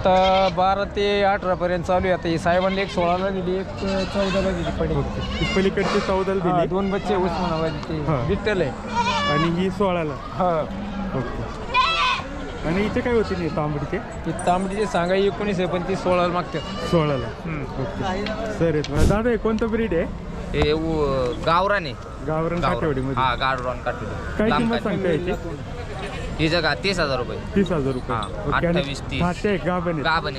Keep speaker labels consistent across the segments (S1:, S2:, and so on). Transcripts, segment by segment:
S1: आता 12 ते 18 पर्यंत चालू आहे. आता ही साहेबांनी एक 16ला दिली, एक 14ला दिली पडी.
S2: पलीकडची 14ला दिली.
S1: दोन बच्चे उस्मानाबादी ते विठ्ठल आहे
S2: आणि ही 16ला.
S1: हा.
S2: ओके. आणि इथे काय होते नाही तांबडीचे?
S1: ती तांबडीचे सांगा 19 आहे, पण ती 16ला मागतात.
S2: 16ला. Okay sir. दादा हे कोणतं ब्रीड आहे?
S3: हे गावरान आहे.
S2: गावरान काठेवाडीमध्ये.
S3: हा, गावरान काठेवाडी.
S2: काय किंमत सांगता याची?
S3: ही जगा 30,000 रुपये.
S2: 30,000 रुपये.
S3: हा, 28, 30.
S2: खाते गाभण
S3: गाभण.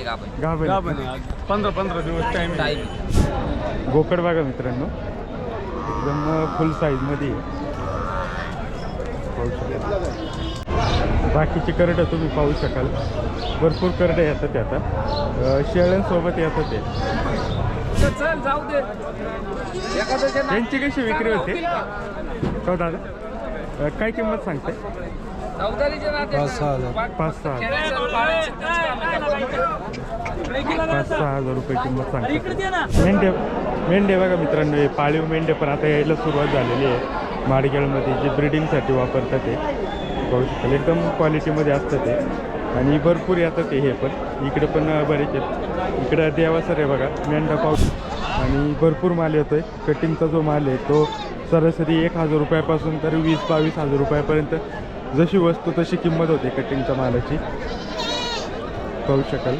S2: 15 दिवस टाइम. गोकड बघा मित्रांनो, एकदम फुल साईज मध्ये आहे. बाकीची करडं तुम्ही पाहू शकाल, भरपूर करडे येतात ते आता. शेळ्यांसोबत येतात ते. यांची कशी विक्री होते हो दादा? काय किंमत सांगते? 5,000 रुपये किंमत सांगते. मेंढे बघा मित्रांनो, हे पाळीव मेंढे पण आता यायला सुरुवात झालेली आहे. माडगेळमध्ये जे ब्रिडिंगसाठी वापरतात ते पाहू शकाल, एकदम क्वालिटीमध्ये असतं ते. आणि भरपूर येतात ते. हे पण इकडे पण बरेच आहेत. इकडं देवासर आहे बघा, मेंढा पाहू. आणि भरपूर माल येतो आहे. कटिंगचा जो माल आहे तो सरासरी 1,000 रुपयापासून तर 20-22,000 रुपयापर्यंत जशी वस्तू तशी किंमत होते कटिंगच्या मालाची, पाहू शकाल.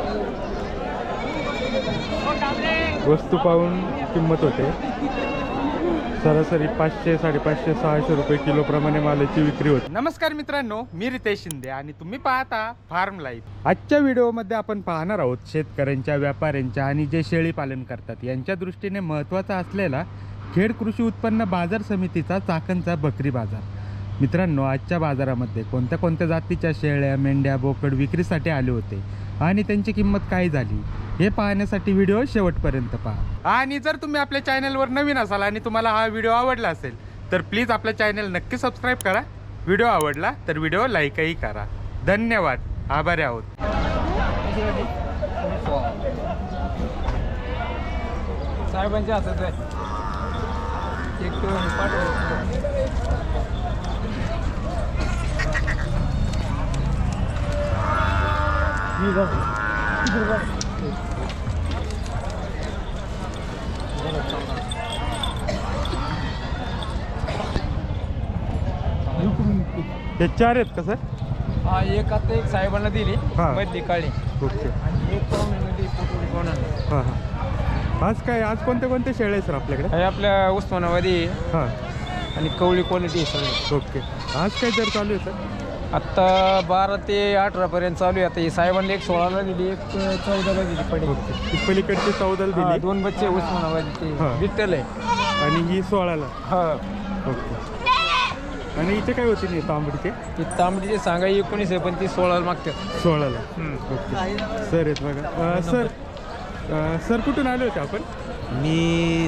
S2: वस्तू पाहून किंमत होते. सरासरी 500, 550, 600 रुपये किलोप्रमाणे मालाची विक्री होते. नमस्कार मित्रांनो, मी रितेश शिंदे आणि तुम्ही पाहता फार्म लाईफ. आजच्या व्हिडिओमध्ये आपण पाहणार आहोत शेतकऱ्यांच्या, व्यापाऱ्यांच्या आणि जे शेळी पालन करतात यांच्या दृष्टीने महत्त्वाचा असलेला खेड कृषी उत्पन्न बाजार समितीचा चाकणचा बकरी बाजार. मित्रांनो, आजच्या बाजारामध्ये कोणत्या कोणत्या जातीच्या शेळ्या, मेंढ्या, बोकड विक्रीसाठी आले होते आणि त्यांची किंमत काय झाली हे पाहण्यासाठी व्हिडिओ शेवटपर्यंत पहा. आणि जर तुम्ही आपल्या चॅनलवर नवीन असाल आणि तुम्हाला हा व्हिडिओ आवडला असेल तर प्लीज आपल्या चॅनल नक्की सबस्क्राईब करा. व्हिडिओ आवडला तर व्हिडिओ लाईकही करा. धन्यवाद. आभारी आहोत.
S1: साहेबांच्या हातात आहे. एक
S2: हे 4 आहेत का सर?
S1: हा, एक आता एक साहेबांना दिली मधली काळी.
S2: ओके.
S1: आणि एक पाहुण्यामध्ये
S2: हां हां. आज कोणते कोणते शेळे आहे सर आपल्याकडे?
S1: हे आपल्या उस्मानाबादी
S2: हां.
S1: आणि कवळी क्वालिटी सगळी.
S2: ओके. आज काय दर चालू आहे सर?
S1: आत्ता 12 ते 18 पर्यंत चालू आहे. आता ही साहेबांनी एक 16ला दिली, एक 14ला दिली पडी.
S2: ओके. पलीकडची 14ला दिली.
S1: दोन बच्चे उस्मानाबादी ते विठ्ठल आहे.
S2: आणि ही 16ला.
S1: हा.
S2: ओके. आणि इथे काय होते नाही तांबडीचे?
S1: ती तांबडीचे सांगा 19 आहे, पण ती 16ला मागतात.
S2: 16ला. ओके. सर आहेत बघा. सर कुठून आले होते आपण?
S4: मी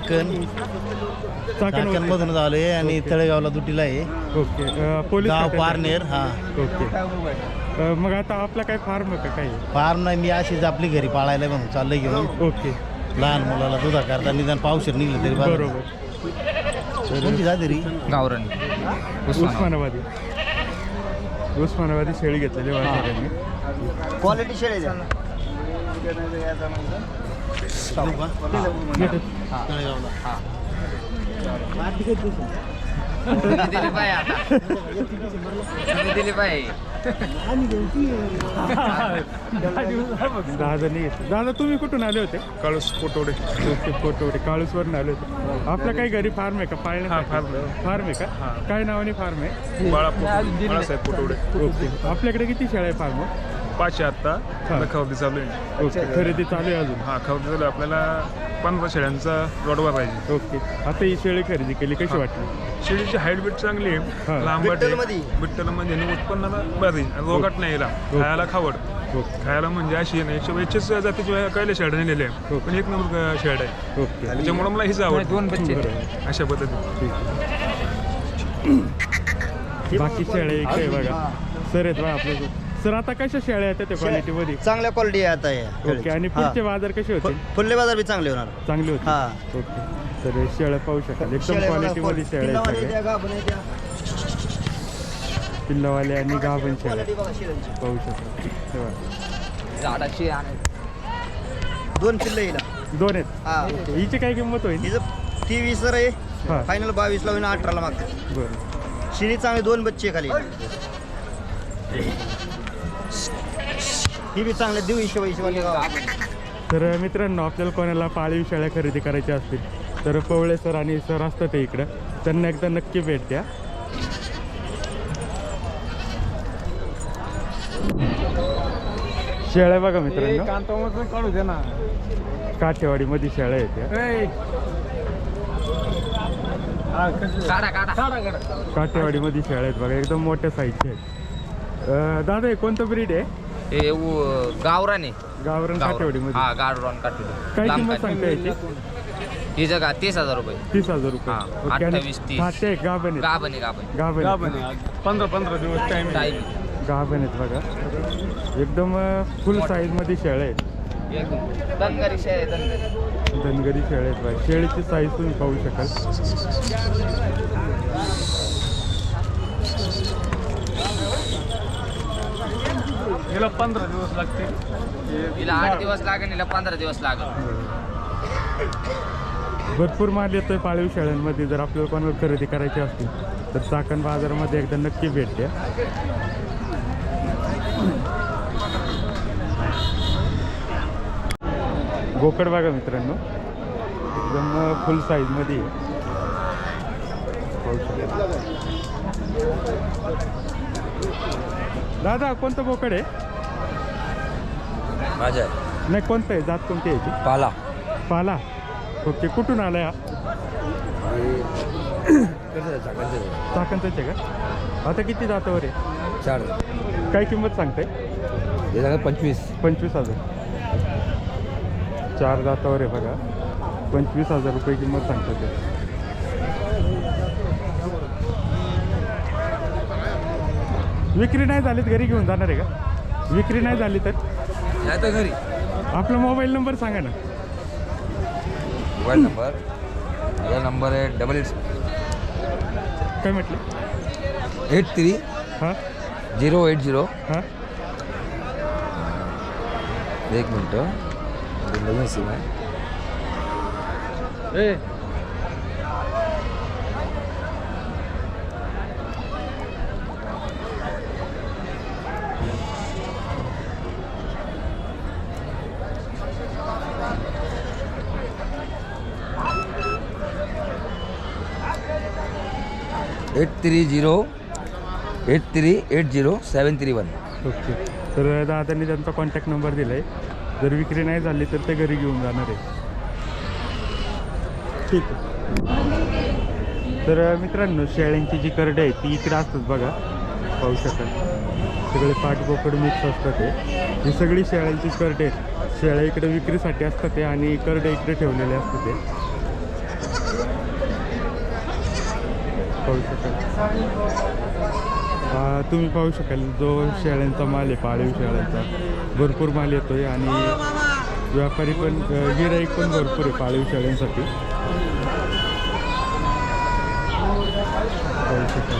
S4: चाकणमधून आलो आहे आणि तळेगावला दुटीला आहे.
S2: ओके. पोलीस
S4: गाव पारनेर. हा.
S2: ओके. मग आता आपला काय फार्म आहे का काही?
S4: फार्म नाही, मी अशीच आपली घरी पाळायला म्हणून चाललंय घेऊन.
S2: ओके.
S4: लहान मुलाला दुधा करता निदान पावशेर निघलं तरी
S2: बरोबर.
S4: कोणती जाते
S3: गावरान.
S2: उस्मानाबादी शेळी घेतलेली वाटत.
S4: क्वालिटी शेळी
S3: दिली पाहिजे आता. दिली पाहिजे.
S2: दादा तुम्ही कुठून आले होते?
S5: काळूस कोटवडे.
S2: ओके. कोटवडे काळूसवरून आले होते. आपला काही घरी फार्म आहे का? पाळण्याचा फार्म आहे का? काय नावाने फार्म आहे?
S5: बाळासाहेब कोटवडे.
S2: ओके. आपल्याकडे किती शेळ्या आहे फार्म?
S5: 5 आता खरेदी चालू आहे.
S2: ओके. खरेदी चालू आहे अजून?
S5: हा, खरेदी चालू आहे. आपल्याला 15 शेळ्यांचा रोडवर पाहिजे.
S2: ओके. आता ही शेळी खरेदी केली, कशी वाटली?
S5: शेळीची हाईट बीट चांगली आहे. लांबट बिट्टलमध्ये उत्पन्नाला बरी, रोगाट नाही हिला. खायला खावड. खायला म्हणजे अशी नाही 120 जातीची कैले शेड नेलेले आहे, पण एक नंबर शेड आहे.
S2: ओके.
S5: त्याच्यामुळे मला हीच आवड.
S1: दोन बच्चे
S5: अशा पद्धतीने.
S2: बाकी शेळ्या इकडे बघा. सर आहेत बघा आपल्या. सर आता कशा शेळ्या येतात त्या क्वालिटीमध्ये?
S4: चांगल्या क्वालिटी आता आहे.
S2: ओके. आणि पुढचे बाजार कसे होते?
S4: फुल्ले बाजार बी चांगले होणार.
S2: चांगले होते. ओके. तर शेळ्या पाहू शकाल, एकदम क्वालिटीमध्ये शेळ्या आहेत. पिल्लावाले आणि गाभण शेळ्या पाहू शकाल.
S3: झाडाची आणि
S4: 2 पिल्लं येईल.
S2: 2 आहेत.
S4: हा
S2: हिची काय किंमत होईल?
S4: तिचं ती 20 आहे.
S2: हा.
S4: फायनल 22 ला होईल, 18 ला मागते.
S2: बरं.
S4: शिरी चांगली 2 बच्चे खाली. ही बी चांगले देऊ हिशोबाने
S2: तर मित्रांनो, आपल्याला कोणाला पाळीव शेळ्या खरेदी करायच्या असतील तर पवळे सर आणि सर असतात ते इकडं, त्यांना एकदा नक्की भेट द्या. शेळ्या बघा मित्रांनो,
S1: कांतामधून काढू दे ना.
S2: काठेवाडीमध्ये शेळ्या आहेत त्या.
S3: काढा काढा
S2: काठेवाडीमध्ये शेळ्या आहेत बघा, एकदम मोठ्या साईजच्या आहेत. दादा हे कोणतं ब्रीड आहे?
S3: हे गावराने
S2: गावरान काठेवाडीमध्ये.
S3: हा गावरान काठवडी.
S2: काय किंमत सांगता याची?
S3: ही जगा 30,000 रुपये.
S2: 30,000 रुपये.
S3: हा,
S2: ओके. आणि
S3: 28, 30.
S2: खाते आहे, गाभण आहेत.
S3: गाभणी
S2: गाभण आहेत.
S1: 15 दिवस टाइम.
S3: टाईम
S2: गाभण आहेत बघा, एकदम फुल साईजमध्ये शेळ्या आहेत.
S3: एकदम दनगरी शेळ्या आहे, दनगरी.
S2: धनगरी शेळ्या आहेत बघा. शेळीची साईज तुम्ही पाहू शकाल.
S1: हिला 15 दिवस लागतील.
S3: हिला 8 दिवस लागेल, हिला 15 दिवस लागेल.
S2: भरपूर माल येतोय पाळीव शेळ्यांमध्ये. जर आपल्याला कोणाला खरेदी करायची असतील तर चाकण बाजारामध्ये एकदा नक्की भेट द्या. बोकड बघा मित्रांनो, एकदम फुल साईजमध्ये आहे. पाहू शकाल. दादा कोणतं बोकड आहे?
S3: माझ्या
S2: नाही, कोणतं आहे? जात कोणती आहे याची?
S3: पाला
S2: पाला. ओके, कुठून आला या? चाकणचं आहे का? आता किती जातावर आहे?
S3: 4
S2: काय किंमत सांगताय?
S3: हे झालं 25.
S2: 25,000. 4 जातावर आहे बघा, 25,000 रुपये किंमत सांगतात ते. विक्री नाही झाली तर घरी घेऊन जाणार आहे का? विक्री नाही झाली तर
S3: नाही तर घरी.
S2: आपला मोबाईल नंबर सांगा ना.
S3: मोबाईल नंबर, माझा नंबर आहे 88
S2: काय म्हटलं?
S3: 83
S2: हां
S3: 080.
S2: हां
S3: 1 मिनटं, नवीन सिम आहे.
S1: ए
S3: 8308380731.
S2: ओके. तर दादांनी त्यांचा कॉन्टॅक्ट नंबर दिला आहे. जर विक्री नाही झाली तर ते घरी घेऊन जाणार आहे. ठीक आहे. तर मित्रांनो, शेळ्यांची जी करडे आहे ती इकडे असतात बघा, पाहू शकाल. सगळे पाठबोकड मिक्स असतात ते. ही सगळी शेळ्यांचीच करडे आहेत. शेळ्या इकडे विक्रीसाठी असतात ते आणि करडे इकडे ठेवलेले असतात ते, पाहू शकाल. तुम्ही पाहू शकाल जो शेळ्यांचा माल आहे, पाळीव शेळ्यांचा भरपूर माल येतोय आणि व्यापारी पण, गिराईक पण भरपूर आहे पाळीव शेळ्यांसाठी, पाहू शकाल.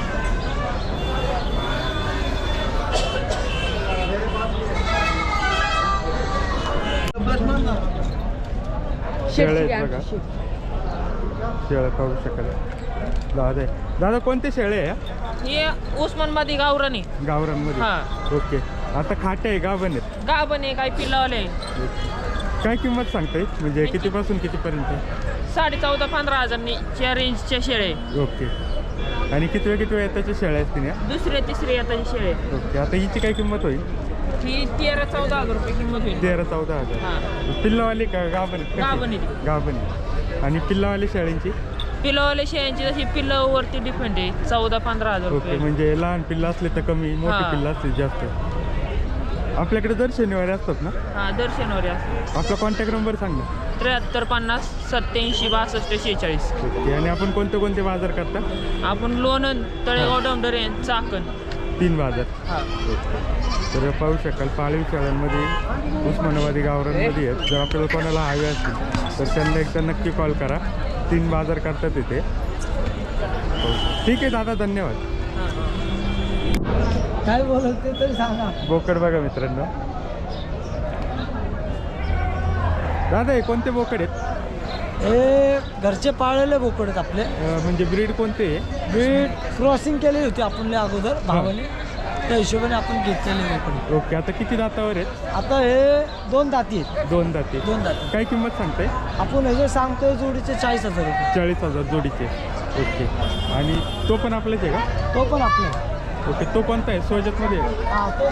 S2: शेळ्या आहेत बघा, शेळ्या पाहू शकाल. दादा कोणते शेळे आहे?
S6: हे उस्मानबादी गावरानी
S2: गावरांमध्ये.
S6: हा.
S2: ओके. आता खाटे आहे, गाभण आहेत?
S6: गाभण आहे, काय पिल्लावले.
S2: काय किंमत सांगताय, म्हणजे कितीपासून कितीपर्यंत?
S6: 14,000-15,000 रेंजच्या शेळे.
S2: ओके. आणि किती त्याच्या शेळ्या असतील या?
S6: दुसरे तिसरे येताचे शेळे.
S2: ओके. आता हिची काय किंमत होईल?
S6: ही 13-14 हजार रुपये किंमत होईल.
S2: 13-14 हजार.
S6: हा.
S2: पिल्लावाली का गाभण?
S6: गाभण आहे ती.
S2: गाभण. आणि पिल्लावाली शेळ्यांची?
S6: पिल्लावाले शेळ्यांची जशी पिल्लावरती डिपेंड आहे, 14-15 हजार
S2: ओके.
S6: रुपये.
S2: म्हणजे लहान पिल्लं असले तर कमी, मोठी
S6: हा.
S2: पिल्लं असले जास्त. आपल्याकडे दर शनिवारी असतात ना?
S6: हा, दर्शनवर असते.
S2: आपला कॉन्टॅक्ट नंबर सांग ना.
S6: 73-50-87-42-46.
S2: ओके. आणि आपण कोणते कोणते बाजार करता?
S6: आपण लोणंद, तळेगाव, डोंबरे, चाकण.
S2: 3 बाजार.
S6: हा.
S2: तर पाहू शकाल पाळीव शेळ्यांमध्ये उस्मानाबादी गावरांमध्ये आहेत. जर आपल्याला कोणाला हवे असतील तर त्यांना एकदा नक्की कॉल करा. 3 बाजार करतात तिथे. ठीक आहे दादा, धन्यवाद.
S7: काय बोलत ते तरी सांगा.
S2: बोकड बघा मित्रांनो, दादा हे कोणते बोकड आहेत?
S7: हे घरचे पाळलेले बोकड आहेत आपले.
S2: म्हणजे ब्रीड कोणते आहे?
S7: ब्रीड क्रॉसिंग केलेली होती आपण अगोदर भावाने, त्या हिशोबाने आपण घेतलेले बोकड.
S2: ओके, आता किती दातावर आहेत?
S7: आता हे 2 दाती आहेत.
S2: 2 दाते.
S7: 2 दाती.
S2: काय किंमत सांगताय?
S7: आपण हे जे सांगतोय जोडीचे 40,000 रुपये.
S2: 40,000 जोडीचे. ओके, आणि तो पण आपलाच आहे का?
S7: तो पण आपला.
S2: ओके, तो कोणता आहे? सोजतमध्ये आहे?
S7: हा, तो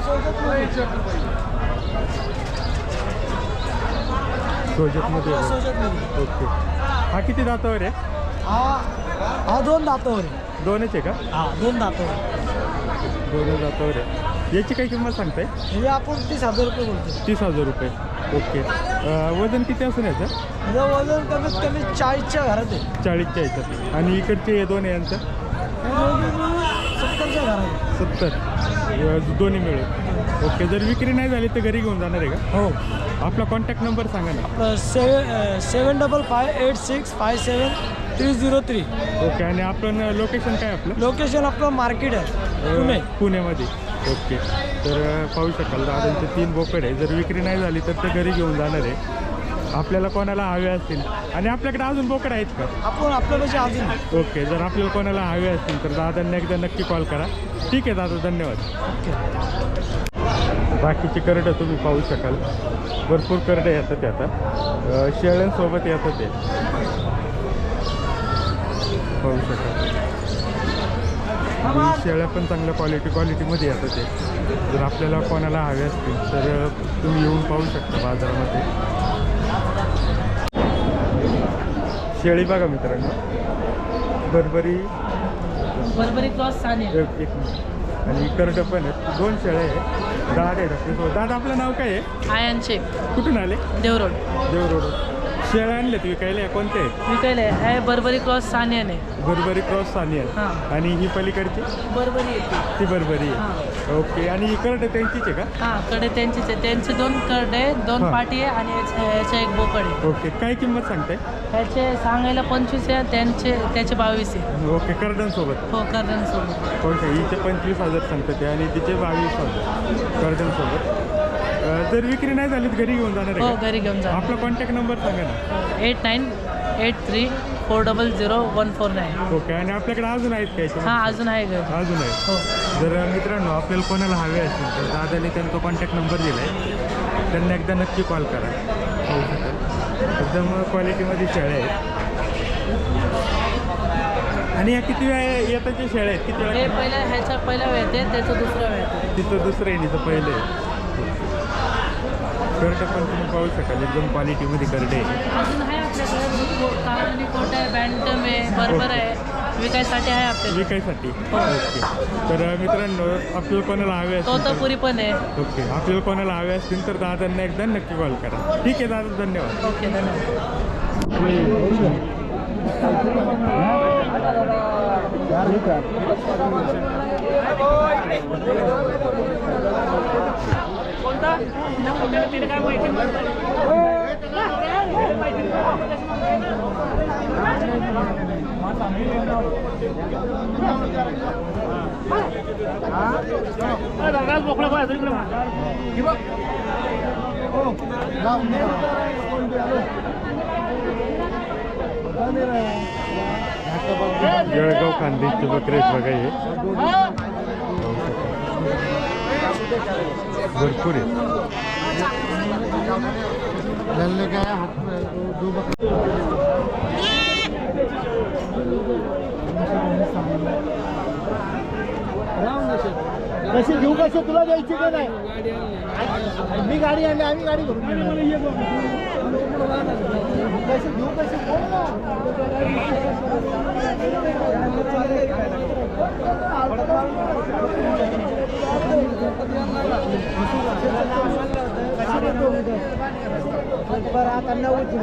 S2: सोजतमध्ये आहे.
S7: सोजतमध्ये.
S2: ओके, हा किती दातावर आहे?
S7: हा 2 दातावर आहे.
S2: 2च आहे का?
S7: हा 2 दातावर.
S2: 2 दातावर आहे. याची काय किंमत सांगताय?
S7: हे आपण 30,000 रुपये बोलतो.
S2: 30,000 रुपये. ओके, वजन किती असेल याचं?
S7: याचं वजन कमीत कमी 40च्या घरात आहे.
S2: 40च्या याच्यात. आणि इकडचे हे 2 आहे यांचं?
S7: 70च्या घरात आहे.
S2: 70 दोन्ही मिळून. ओके, जर विक्री नाही झाली तर घरी घेऊन जाणार आहे का?
S7: हो.
S2: आपला कॉन्टॅक्ट नंबर सांगा ना.
S7: 7558673003.
S2: ओके, आणि आपण लोकेशन काय आपलं?
S7: लोकेशन आपलं मार्केट आहे पुणे.
S2: पुण्यामध्ये. ओके, तर पाहू शकाल दादांचे 3 बोकड आहे. जर विक्री नाही झाली तर ते घरी घेऊन जाणार आहे. आपल्याला कोणाला हवे असतील, आणि आपल्याकडे अजून बोकड आहेत का?
S7: आपण आपल्यापाशी अजून.
S2: ओके, जर आपल्याला कोणाला हवे असतील तर दादांना एकदा नक्की कॉल करा. ठीक आहे दादा, धन्यवाद. बाकीची करडं तुम्ही पाहू शकाल, भरपूर करडे येतात ते आता. शेळ्यांसोबत येतात ते पाहू शकाल. आणि शेळ्या पण चांगल्या क्वालिटीमध्ये येतात ते. जर आपल्याला कोणाला हवे असतील तर तुम्ही येऊन पाहू शकता बाजारामध्ये. शेळी बघा मित्रांनो, बरबरी
S6: क्रॉस साने.
S2: एक मिनिट. आणि करडं पण आहेत. 2 शेळ्या आहे. दादा आहेत आपल्यासोबत. दादा, आपलं नाव काय आहे?
S6: आयन शेख,
S2: कुठून आले?
S6: देवरोड.
S2: देवरोड. शेळ्या आणल्यात विकायला, कोणते आहेत?
S6: विकायला आहे बर्बरी क्रॉस सानियाने.
S2: बरबरी क्रॉस सानियल.
S6: हां.
S2: आणि ही पलीकडची?
S6: बर्बरी येते.
S2: ती बरबरी आहे. ओके, आणि ही करडं त्यांचीच आहे का?
S6: हां, कडे त्यांचीच आहे. त्यांचे 2 करडे, 2
S2: हां.
S6: पाटी आहे, आणि याच्या 1 बोकड आहे.
S2: ओके, काय किंमत सांगताय?
S6: ह्याचे सांगायला 25 आहे, त्याचे 22 आहे.
S2: ओके, करडांसोबत.
S6: हो, करड्यांसोबत.
S2: ओके, हिचे 25,000 सांगतात ते, आणि तिचे 22,000 करडांसोबत. जर विक्री नाही झाली तर घरी घेऊन जाणार
S6: हो,
S2: आहे का?
S6: घरी घेऊन जा.
S2: आपला कॉन्टॅक्ट नंबर सांगा ना.
S6: 8983400149.
S2: ओके, आणि आपल्याकडे अजून आहेत काय?
S6: हां, अजून आहे घरी.
S2: अजून आहे.
S6: हो.
S2: जर मित्रांनो आपल्याला कोणाला हवे असतील तर दादाने त्यांचा कॉन्टॅक्ट नंबर दिला आहे, त्यांना एकदा नक्की कॉल करा. होऊ शकेल. एकदम क्वालिटीमध्ये शेळ्या आहेत. आणि या किती वेळा येताच्या शेळ्या आहेत? किती
S6: हे
S2: वेळा?
S6: ह्याच्या पहिल्या वेळ येते, त्याचं दुसरं वेळ येते.
S2: तिथं दुसरं आहे, तिथं पहिलं आहे. करडं पण तुम्ही पाहू शकाल, एकदम क्वालिटीमध्ये करडे आहे.
S6: अजून आहे आपल्याकडे काळानी कोट आहे, बँटम आहे, बरोबर आहे, विकायसाठी आहे आपल्याला.
S2: विकायसाठी. ओके, तर मित्रांनो आपल्याला कोणाला हवे असतील
S6: तोतापुरी पण आहे.
S2: ओके, आपल्याला कोणाला हवे असतील तर दादांना एकदा नक्की कॉल करा. ठीक आहे दादा, धन्यवाद.
S6: ओके, धन्यवाद.
S2: जळगाव खानदेशचे बकरे आहेत बघा हे. भरपूर आहे.
S7: कशी घेऊ, कशी तुला द्यायची का नाही? मी गाडी आणली, आम्ही गाडी करून कशी घेऊ, कशी बरं आता 90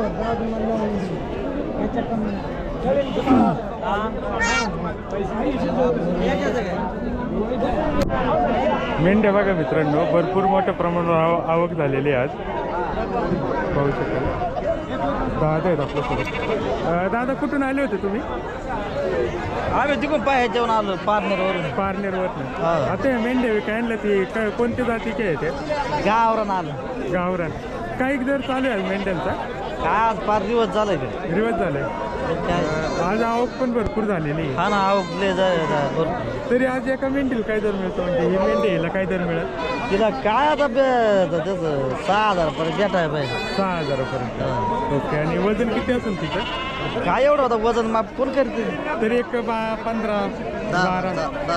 S2: मेंढ्या बघा मित्रांनो, भरपूर मोठ्या प्रमाणावर आवक झालेली आहे आज. पाहू शकाल. दादा आहेत आपल्यासोबत. दादा, कुठून आले होते तुम्ही?
S4: आम्ही तिकडून पाहायच्यावर आलो, पार्नरवरून.
S2: पारनेरवरनं. आता या मेंढ्या विकाय आणल्या, ती काय कोणत्या जातीच्या आहेत त्या?
S4: गावरून आलो.
S2: गावरान. काही दर चालू आहे मेंढ्यांचा?
S4: काय आज 5 दिवस झाले का
S2: दिवस झाले आज आवक पण भरपूर झालेली आहे.
S4: हा ना आवकले भरपूर.
S2: तरी आज एका मेंढीला काय दर मिळतो म्हणजे ही मेंढी हिला काय दर मिळत
S4: तिला काय आता त्याचं 6,000 पर्यंत भेटाय पाहिजे.
S2: 6,000पर्यंत. ओके आणि वजन किती असेल तिचं
S4: काय एवढं होतं वजन माप कोण करते
S2: तरी एक 15 12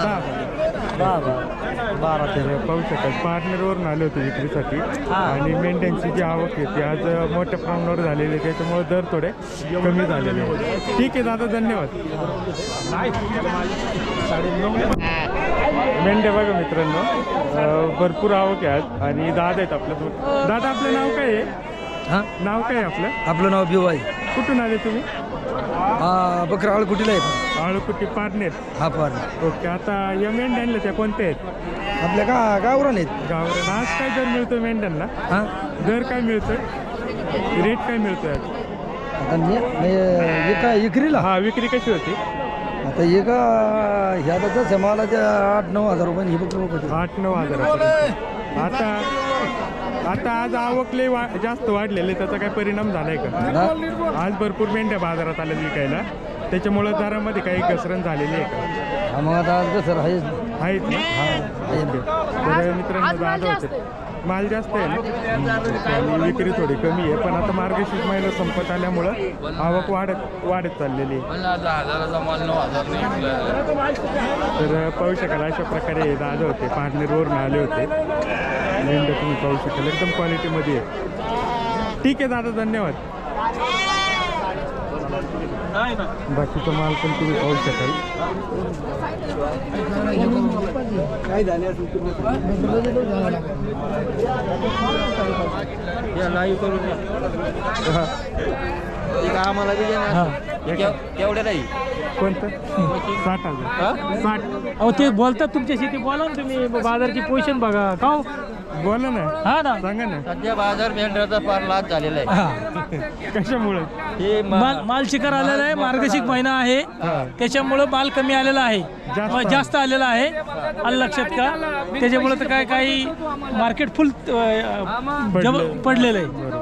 S4: 12
S2: तर पाहू शकाल पार्टनरवरून आले होते विक्रीसाठी आणि मेंढ्यांची जी आवक आहे ती आज मोठ्या प्रमाणावर झालेली आहे त्याच्यामुळे दर थोडे कमी झालेले आहेत. ठीक आहे दादा धन्यवाद. मेंढ्या बघा मित्रांनो भरपूर आवक आहे आज आणि दादा आहेत आपल्यासोबत. दादा आपलं नाव काय आहे? नाव काय आहे आपलं?
S7: आपलं नाव बिवाई.
S2: कुठून आले तुम्ही?
S7: बकरा आळकुटीला आहे.
S2: आळकुटी पारनेर.
S7: हा पार
S2: ओके आता या मेंढ्यांना त्या कोणत्या आहेत?
S7: आपल्या गावरान आहेत.
S2: गावरान. आज काय दर मिळतो मेंढ्यांना?
S7: हा
S2: दर काय मिळतोय? रेट काय मिळतोय आज?
S7: आता एका इकरीला
S2: हा विक्री कशी होती?
S7: आता एका ह्या तसं मला त्या 8-9 हजार रुपये ही बकरी होती.
S2: 8-9 हजारापर्यंत. आता आज आवक लय जास्त वाढलेले त्याचा काय परिणाम झालाय का? आज भरपूर मेंढ्या बाजारात आल्या विकायला त्याच्यामुळं दरामध्ये काही घसरण झालेली आहे का?
S7: मग आता आज कसं
S2: आहेत ना? तर मित्रांनो दादा होते माल जास्त आहे ना आणि विक्री थोडी कमी आहे पण आता मार्गशीर्ष महिना संपत आल्यामुळं आवक वाढत चाललेली आहे. तर पाहू शकाल अशा प्रकारे दादा होते पार्टनरवरून आले होते. मेंढ्या तुम्ही पाहू शकाल एकदम क्वालिटीमध्ये आहे. ठीक आहे दादा धन्यवाद. बाकीचा माल पण तुम्ही पाहू शकाल.
S4: आम्हाला केवढ्या नाही
S2: कोणतं 60,000 60
S7: अहो ते बोलतात तुमच्याशी ते बोला ना तुम्ही बाजारची पोझिशन बघा का
S2: बोला ना.
S7: हा ना
S2: सांगा ना
S4: सध्या बाजार मेंढ्याचा फार लाभ झालेला आहे.
S2: कशामुळे?
S4: हे
S7: माल शिकार आलेला आहे. मार्गशीर्ष महिना आहे त्याच्यामुळं माल कमी आलेला आहे जास्त आलेला आहे. आलं लक्षात का? त्याच्यामुळे तर काय काही मार्केट फुल पडलेलं आहे.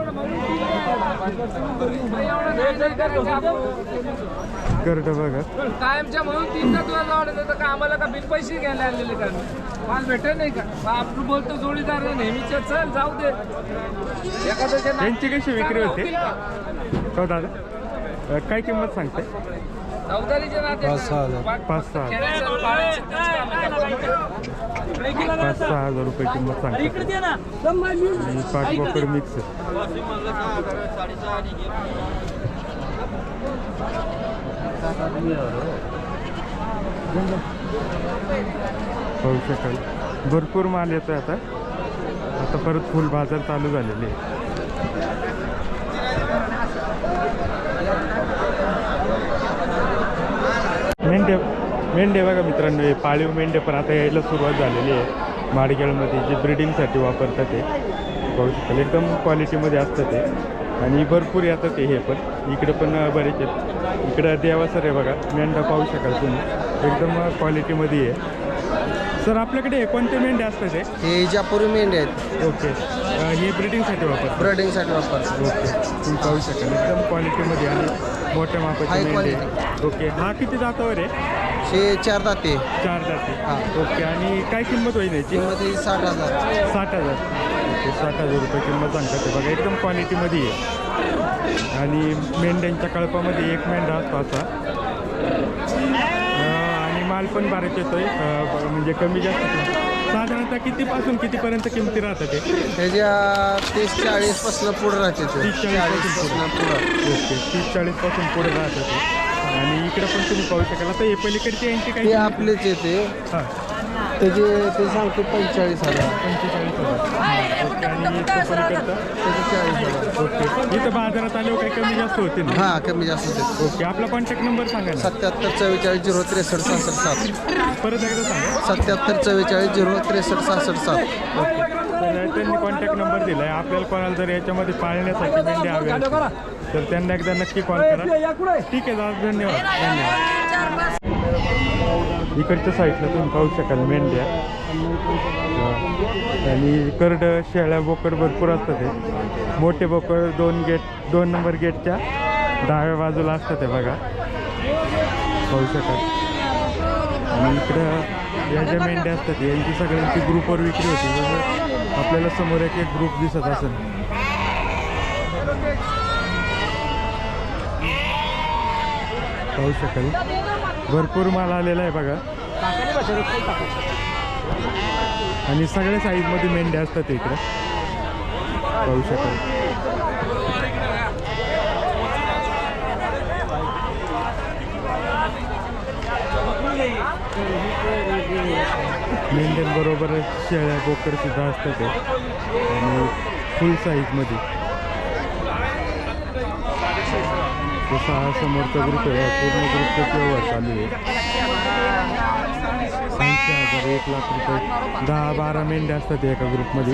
S2: करत बघा
S1: कायमच्या म्हणून 3 दिवस लावले तर का आम्हाला का बिन पैसे घ्यायला आणलेले का माल भेटेल नाही का? आपण बोलतो जोडीदार नेहमीच्या चल जाऊ दे एखाद्याच्या
S2: यांची कशी विक्री होते हो दादा? काय किंमत सांगते?
S1: चौदारीच्या नाते
S2: 5-6 हजार रुपये किंमत सांगते. आणि पाच बोकड मिक्स. पाहू शकाल भरपूर माल येतोय आता परत फुल बाजार चालू झालेले आहे. मेंढे बघा मित्रांनो हे पाळीव मेंढे पण आता यायला सुरुवात झालेली आहे. माडगेळमध्ये जे ब्रिडिंगसाठी वापरतात ते पाहू शकाल एकदम क्वालिटीमध्ये असतं ते आणि भरपूर येतात हे पण इकडे पण बरेच आहेत. इकडं देवासर आहे बघा मेंढा पाहू शकाल तुम्ही एकदम क्वालिटीमध्ये आहे. सर आपल्याकडे कोणते मेंढे असतात
S8: हे जापुरी मेंढे आहेत.
S2: ओके हे ब्रिडिंगसाठी वापरतात?
S8: ब्रिडिंगसाठी वापरतात.
S2: ओके तुम्ही पाहू शकाल एकदम क्वालिटीमध्ये आणि मोठ्या मापाचे मेंढे. ओके हा किती जातावर आहे?
S8: हे 4 दाते.
S2: 4 जाती. ओके आणि काय किंमत होईल याची?
S8: किंमत ही 60,000.
S2: 60,000. ओके 60,000 रुपये किंमत सांगतात ते बघा एकदम क्वालिटीमध्ये आहे. आणि मेंढ्यांच्या कळपामध्ये एक मेंढा असतो असा आणि माल पण बरेच येतोय म्हणजे कमी जास्त. साधारणतः कितीपासून कितीपर्यंत किमती राहतात ते?
S8: त्याच्या 30-40 पासून पुढे राहते.
S2: 30-40 पासून पुढे. ओके 30-40 पासून पुढे राहतात ते. आणि इकडे पण तुम्ही पाहू शकाल. आता हे पलीकडचे यांची
S8: ते
S2: काही
S8: आपलेच येते.
S2: हां
S8: ते सांगतो 45,000.
S2: 45,000. ओके आणि इथं पलीकडचं
S8: त्याचे 40,000.
S2: ओके इथं बाजारात आल्यावर काही कमी जास्त होते ना?
S8: हां कमी जास्त होते.
S2: ओके आपला कॉन्टॅक्ट नंबर सांगा ना.
S8: 77 44 0 63 66
S2: परत एकदा सांगा.
S8: 77 44 0 63 66.
S2: ओके तर त्यांनी कॉन्टॅक्ट नंबर दिला आहे. आपल्याला कोणाला जर याच्यामध्ये पाळण्यासाठी मेंढे हवे असतील तर त्यांना एकदा नक्की कॉल करा. ठीक आहे दादा धन्यवाद. इकडच्या साईडला तुम्ही पाहू शकाल मेंढ्या आणि करड शेळ्या बोकड भरपूर असतात ते मोठे बोकड 2 नंबर गेटच्या डाव्या बाजूला असतात ते बघा, पाहू शकाल. आणि इकडं या ज्या मेंढ्या असतात यांची सगळ्यांची ग्रुपवर विक्री होती. जसं आपल्याला समोर एक ग्रुप दिसत असेल. पाहू शकाल भरपूर माल आलेला आहे बघा. आणि सगळ्या साईजमध्ये मेंढ्या असतात इकडे, पाहू शकाल. मेंढ्यांबरोबर शेळ्या बोकड सुद्धा असतात ते, आणि फुल साईजमध्ये. जसा हा समोरचा ग्रुप आहे, पूर्ण ग्रुपचा व्यवहार चालू आहे. 80,000 1 लाख रुपये 10-12 मेंढ्या असतात एका ग्रुपमध्ये.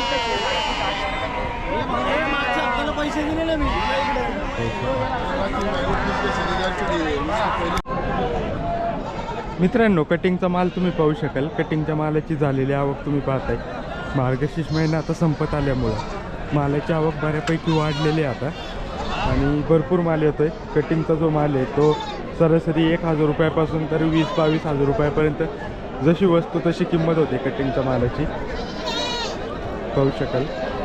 S2: मित्रांनो, कटिंगचा माल तुम्ही पाहू शकाल. कटिंगच्या मालाची झालेली आवक तुम्ही पाहताय. मार्गशीर्ष महिना आता संपत आल्यामुळं मालाची आवक बऱ्यापैकी वाढलेली आहे आता, आणि भरपूर माल येतो आहे. कटिंगचा जो माल आहे तो सरासरी 1,000 रुपयापासून तर 20-22,000 रुपयापर्यंत जशी वस्तू तशी किंमत होते कटिंगच्या मालाची, पाहू शकाल.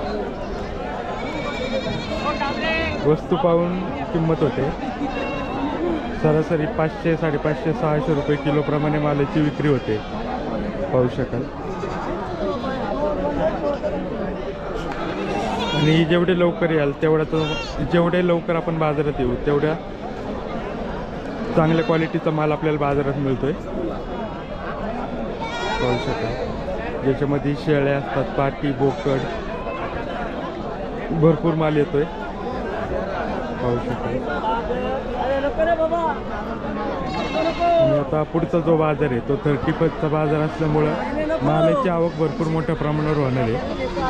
S2: वस्तू पाहून किंमत होते. सरासरी 500, 550, 600 रुपये किलोप्रमाणे मालाची विक्री होते, पाहू शकाल. आणि जेवढे लवकर याल जेवढे लवकर आपण बाजारात येऊ तेवढ्या चांगल्या क्वालिटीचा माल आपल्याला बाजारात मिळतोय, पाहू शकाल. ज्याच्यामध्ये शेळ्या असतात, पाटी, बोकड, भरपूर माल येतोय, पाहू शकाल. आणि आता पुढचा जो बाजार आहे तो 31चा बाजार असल्यामुळं मालाची आवक भरपूर मोठ्या प्रमाणावर होणार आहे,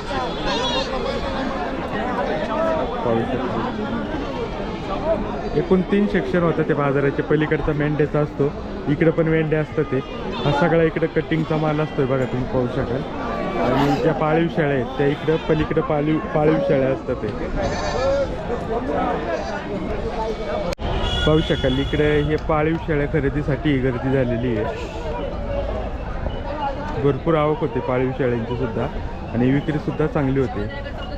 S2: पाहू शकतो. एकूण 3 सेक्शन होतं ते बाजाराचे. पलीकडचा मेंढ्याचा असतो, इकडे पण मेंढ्या असतात. ते हा सगळा इकडे कटिंगचा माल असतोय बघा, तुम्ही पाहू शकाल. आणि ज्या पाळीव शेळ्या आहेत त्या इकडं पलीकडे पाळीव शेळ्या असतात ते, पाहू शकाल. इकडे हे पाळीव शेळ्या खरेदीसाठी गर्दी झालेली आहे. भरपूर आवक होते पाळीव शेळ्यांची सुद्धा, आणि विक्री सुद्धा चांगली होते.